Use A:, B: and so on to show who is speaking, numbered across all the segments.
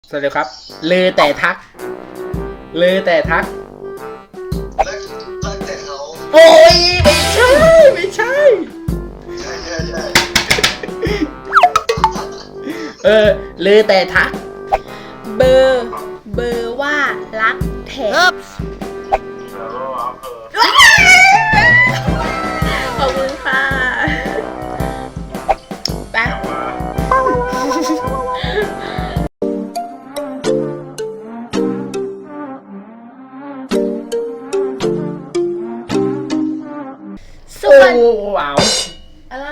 A: สวัสดีครับเลอแต่ทักเลอแต่ทัก
B: รักแต่เขา
A: โอ้ยไม่ใช่ไม่ใช่
B: ใช่
A: เลอแต่ทัก
C: เบอร์ว่ารักแถบขอบคุณค่ะไปสวัสดี
A: ว้าว
C: อะไร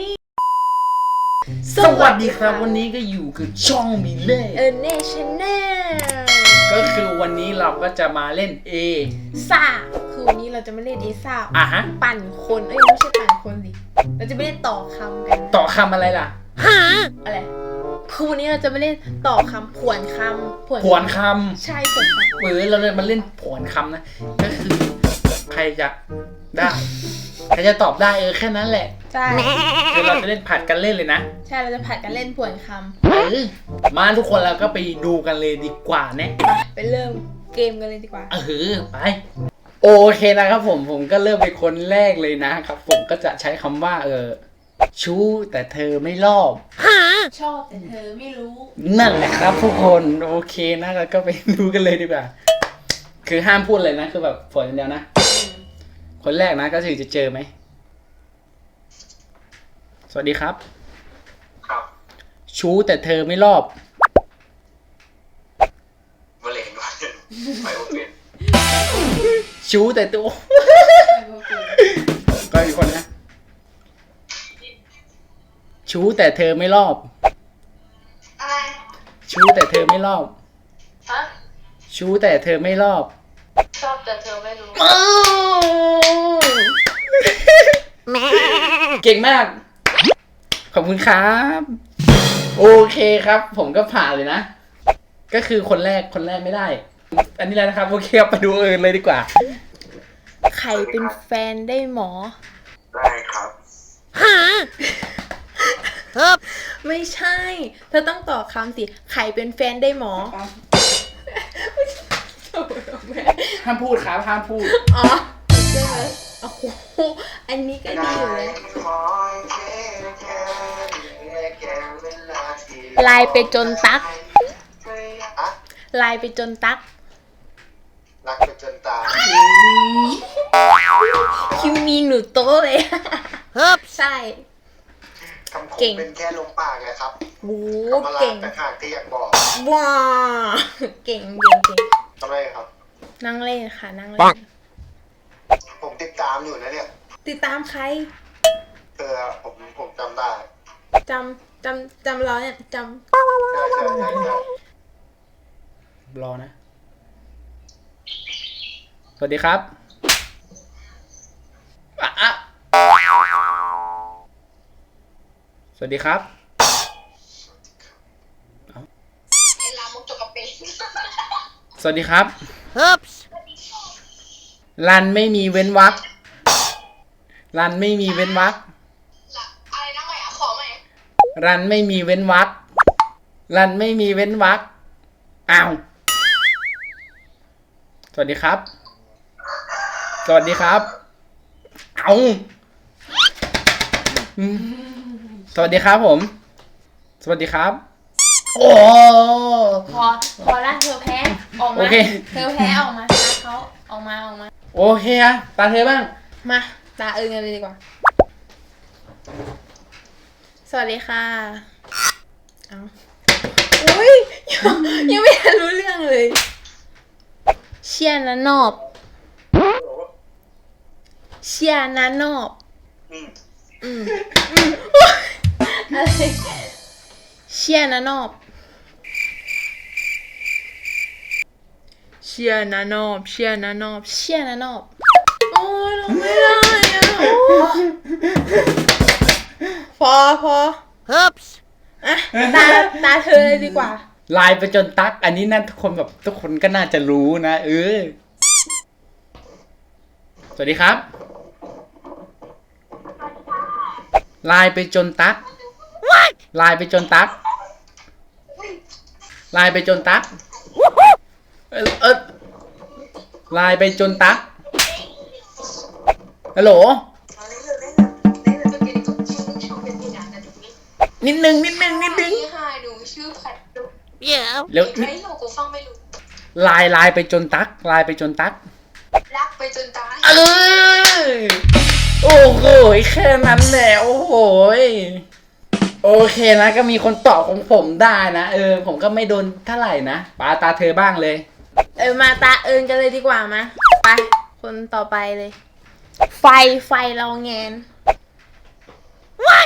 A: สวัสดีครับวันนี้ก็อยู่กับช่องมิเล่
C: เนชั่นแนล
A: ก็คือวันนี้เราก็จะมาเล่น
C: ซ่าคือวันนี้เราจะไม่เล่นซ่า
A: ฮะ
C: ปั่นคนไม่ใช่ปั่นคนดิเราจะไม่เล่นต่อคำกัน
A: ต่อคำอะไรล่ะ
C: อะไรคือวันนี้เราจะไม่เล่นต่อคำผวนคำ
A: ผวนคำ
C: ใช่ผวนคำ
A: เราเลยมาเล่นผวนคำนะก็คือใครจะได้ใครจะตอบได้แค่นั้นแหละ
C: ใช่
A: คือเราจะเล่นผัดกันเล่นเลยนะ
C: ใช่เราจะผัดกันเล่นผวนคำ
A: มาทุกคนเราก็ไปดูกันเลยดีกว่าเนี่ย
C: ไปเริ่มเกมกันเลยดีกว่า
A: ไปโอเคนะครับผมก็เริ่มเป็นคนแรกเลยนะครับผมก็จะใช้คำว่าชู้แต่เธอไม่รอบ
C: ชอบแต่เธอไม่รู้
A: นั่นแหละครับทุกคนโอเคนะเราก็ไปดูกันเลยดีกว่าคือห้ามพูดเลยนะคือแบบฝนอย่างเดียวนะคนแรกนะก็คือจะเจอไหมสวัสดีครับ
B: ครับ
A: ชู้แต่เธอไม่รอบ
B: มะเร็งก่อนไปโอเค
A: ชู้แต่ตัวก็อีกคนนะชู้แต่เธอไม่รอบ
C: อะไร
A: ชู้แต่เธอไม่รอบ
C: ฮะ
A: ชู้แต่เธอไม่รอบ
C: ชอบแต่เธอไม่รู้
A: เก่งมากขอบคุณครับโอเคครับผมก็ผ่านเลยนะก็คือคนแรกไม่ได้อันนี้แล้วนะครับโอเคไปดูเลยดีกว่า
C: ใครเป็นแฟนได้หมอ
B: ได้ครับ
C: ไม่ใช่เธอต้องตอบคำสิใครเป็นแฟนได้หมอ
A: ห้ามพูดครับห้ามพูด
C: อ๋อใช่ไหมโอ้โหอันนี้ก็ดีอยู่เลยลายไปจนตักลายไปจนตัก
B: รักไปจนตาย
C: คิวมีหนูโตเลยใช่
B: คำคมเป็นแค่ลมปากไงครับ
C: โอ้
B: เก่งแต่ขาดที่อยากบอก
C: ว้าเก่ง
B: ทำไมครับ
C: นั่งเล่นค่ะนั่งเล่น
B: ผมติดตามอยู่นะเนี่ย
C: ติดตามใคร
B: ผมจำได้
C: จำเราเนี่ยจำ
B: ใช่
A: รอนะสวัสดีครับสวัสดีครับสวัสดีครับรันไม่มีเว้นวรรครันไม่มีเว้นวรรค
C: อะไรนะใหม่ขอใหม่
A: รันไม่มีเว้นวรรครันไม่มีเว้นวรรคอ้าวสวัสดีครับสวัสดีครับเอาสวัสดีครับผมสวัสดีครับโอ้
C: พอละเธอแพ้ออกมาเธอแพ้ออกมาตาเขาออกมา
A: โอเคอะตาเธอบ้าง
C: มาตากันเลยดีกว่าสวัสดีค่ะเอาอุ้ยยังไม่ทันรู้เรื่องเลยเชียร์นะนอบเชียร์นะนอบอะไรเชียร์นะนอบเชียร์นะนอบโอ้ยเราไม่ได้อะพออ่ะตาเธอเลยดีกว่า
A: ไลน์ไปจนตักอันนี้น่าทุกคนก็น่าจะรู้นะสวัสดีครับไลน์ไปจนตักไลน์ไปจนตักไลน์ไปจนตั๊กไลน์ไปจนตั๊กฮัลโหลนิดนึง
D: พี่ฮายหนูชื่อผัดดุ
A: เร็ว
D: ไม่รู้กูฟังไม่รู้
A: ไลน์ไปจนตั๊กไลน์ไปจนตั๊ก
D: รักไปจนตาย
A: โอ้โหแค่นั้นแหละโอ้โหโอเคนะก็มีคนตอบของผมได้นะผมก็ไม่โดนเท่าไหร่นะปาตาเธอบ้างเลย
C: มาตาเอิญกันเลยดีกว่ามาไปคนต่อไปเลย ไฟเราแงน What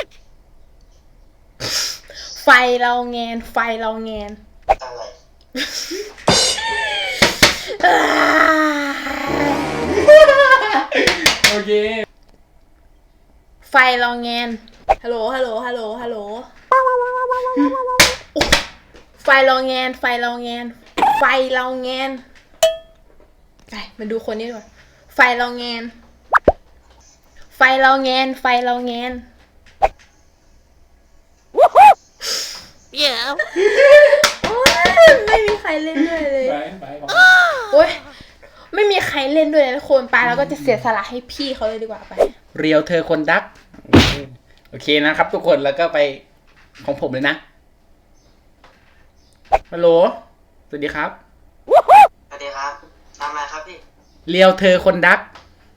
C: ไฟเราแงน
B: อะไร
A: โอเค
C: ไฟเราแงนฮัลโหลไฟเราแงนไปมาดูคนนี้ดีกว่าไฟเราแงนโอ๊ยไม่มีใครเล่นด้วยเลย
A: ไป
C: โอ๊ยไม่มีใครเล่นด้วยเลยทุกคนไปแล้วก็จะเสียสละให้พี่เขาเลยดีกว่าไป
A: เรียวเธอคนดักโอเคนะครับทุกคนแล้วก็ไปของผมเลยนะฮัลโหลสวัสดีครับ
B: สวัสดีครับทำอะไรครับพี่
A: เรียวเธอคนดัก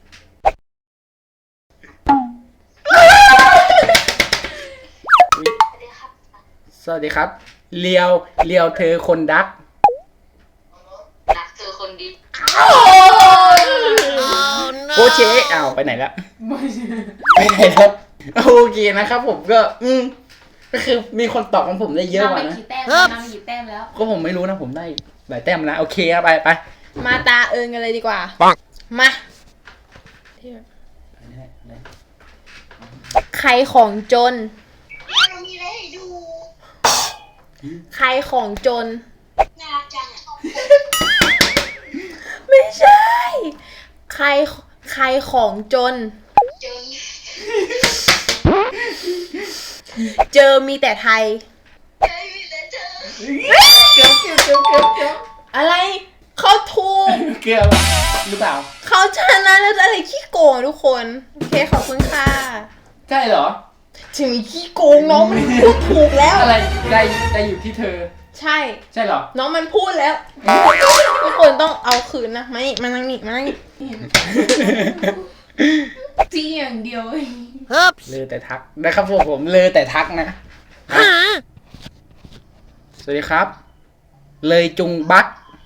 A: สวัสดีครับเรียวเธอคนดัก
D: รักเธอคนดี
A: โอเคอ้าวไปไหนละไปไหนแล้วโอเคนะครับผมก็ก็คือมีคนตอบของผมได้เยอะกว่านะ
C: นำกี่แต้มแล้ว
A: ก็ผมไม่รู้นะผมได้หลายแต้มนะโอเคครับไป
C: มาตาเอิญกันเลยดีกว่า มา ใครของจน
D: เรามีอะไรให้ดู
C: ใครของจน
D: น่ารักจังอ่ะ
C: ไม่ใช่ ใครของจน
D: จน
C: เจอมีแต่ไทย
D: ใจมีแต่เธอ
A: เกือบ
C: อะไร เขาถูก
A: เกือบหรือเปล่า
C: เขาชนะแล้วอะไรขี้โกงทุกคน โอเคขอบคุณค่ะ
A: ใช่เหรอ
C: ถึงขี้โกงน้องมันพูดถูกแล้ว
A: อะไรได้อยู่ที่เธอ
C: ใช่
A: ใช่เหรอ
C: น้องมันพูดแล้ว ทุกคนต้องเอาคืนนะมานั่งนี่จี้อย่างเดียว
A: เลอแต่ทักนะครับผมเลอแต่ทักนะสวัสดีครับ เลยจุงบัก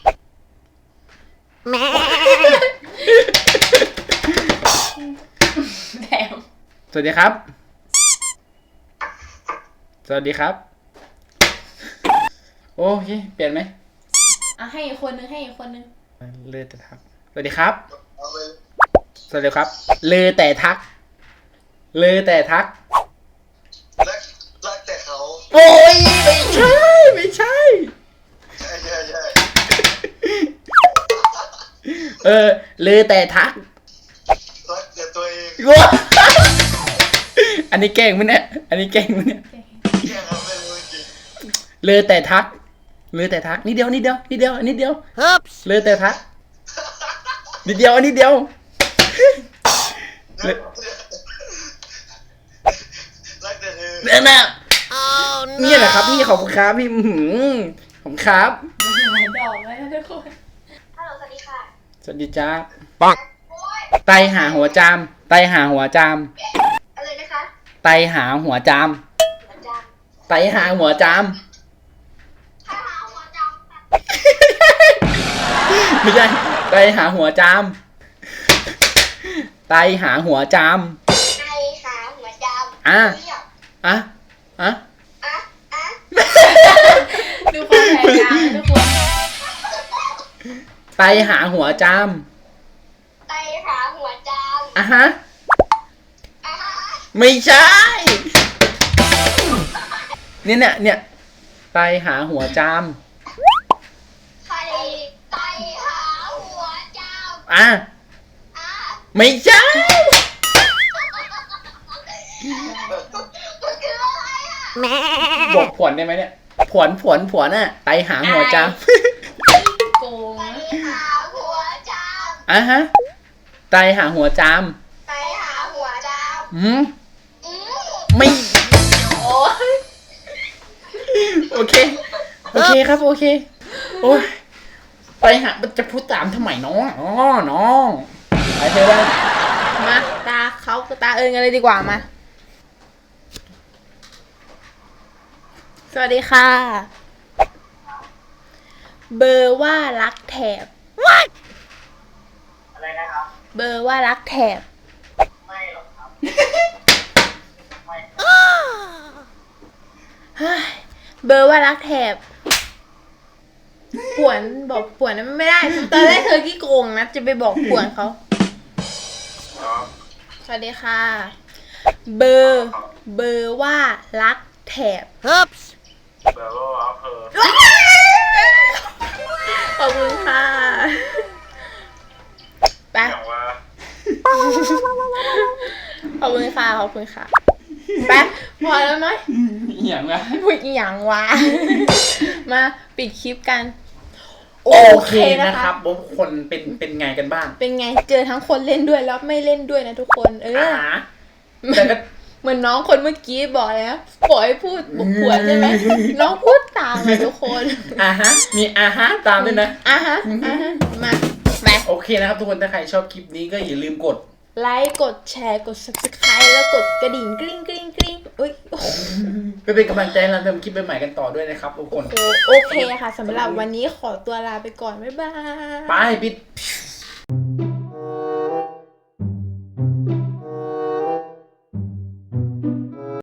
C: แถม
A: สวัสดีครับ สวัสดีครับ โอเคเปลี่ยนไหม
C: ให้อีกคนนึง
A: เลอแต่ทักสวัสดีครับ
B: เอาเลย
A: สวัสดีครับเลอแต่ทัก
B: รักแต่เขา
A: โอ้ยไม่ใช่
B: ใช่
A: เลอแต่ทัก
B: รักแต่ตัวเอง
A: ว้าอันนี้แกล้งมั้ยเนี่ย
B: แค่ทำไม่รู้จริง
A: เลอแต่ทักนิดเดียวเลอแต่ทักนิดเดียวอันนี้เดียว
B: รักแต่เธอ
A: เนี่ยนะเนี่ยแหละครับพี่ขอบคุณครับพี่ขอบคุณครับ
C: ดอกไว้นะทุกคน
D: ฮัลโหลสวัสดีค่ะ
A: สวัสดีจ้า
D: โอ๊ย
A: ไตหาหัวจาม
D: อะไรนะคะ
A: ไตหาหัวจาม
D: หัวจัง
A: ไตหาหัวจาม
D: ถ้าหาหัวจัง
A: ไม่ใช่ไตหาหัวจามไตหาหัวจาม
D: ในหาหัวจัง
A: อ่ะ
D: เรียก
A: อ่ะ
D: อ่ะ
C: ดูความพยายามนะทุกคน
A: ไตหาหัวจาม
D: ไปหาหัวจัง
A: อ่ะฮะ
D: อ่ะฮะ
A: ไม่ใช่ เนี่ยไตหาหัวจาม
D: ใครไปหาหัวจัง
A: อ่ะ
D: อ่ะ
A: ไม่ใช่
D: มันคืออะไรอ่ะ
A: บอกผลได้ไหมเนี่ย ผผวนน่ะไตหาหัวจาม
C: โกง
D: ไปหาหัวจาม
A: อ่ะฮะไตหาหัวจาม
D: ไปหาหัวจาม
A: อืม
D: อืม
A: ไม่
C: โอ้ย
A: โอเคครับโอเคโอ้ยไปหาจะพูดตามทำไมน้องน้องไปเถอะ
C: มาตาเขากับตาเอิญกันเลยดีกว่ามา สวัสดีค่ะ เบอร์ว่ารักแถบ
B: อะไรนะครับ
C: เบอร์ว่ารักแถบ
B: ไม่หรอกครับ
C: เฮ้ยเบอร์ว่ารักแถบป่วนบอกป่วนนั้นไม่ได้ ตอนแรกเธอขี้โกงนะ จะไปบอกป่วนเขา สวัสดีค่ะ เบอร์ว่ารักแถบ
B: เบอร์ว่าเพอ
C: ขอบคุณค่ะ ไป
B: อย่างว่า
C: ขอบคุณค่ะ ขอบคุณค่ะ ไป พอแล้วไหม
A: อย่างไร
C: พูดอหย่างวะ มาปิดคลิปกัน
A: โอเคนะครับทุกคนเป็นไงกันบ้าง
C: เป็นไง เจอทั้งคนเล่นด้วยแล้วไม่เล่นด้วยนะทุกคน
A: แต่ก็
C: เหมือนน้องคนเมื่อกี้บอกแล้วปล่อยให้พูดบุกผัวใช่ไหม น้องพูดตามเลยทุกคน
A: มีตามด้วยนะ
C: มาไป
A: โอเคนะครับทุกคนถ้าใครชอบคลิปนี้ก็อย่าลืมกด
C: ไลค์กดแชร์กด subscribe แล้วกดกระดิ่งกริ๊งกริ๊งกริ๊งอุ้ยโอ้โห
A: ไปเป็นกำลังใจให้เราทำคลิปใหม่ๆกันต่อด้วยนะครับทุกคน
C: โอเคค่ะสำหรับวันนี้ขอตัวลาไปก่อน บ๊ายบาย
A: ไปปิด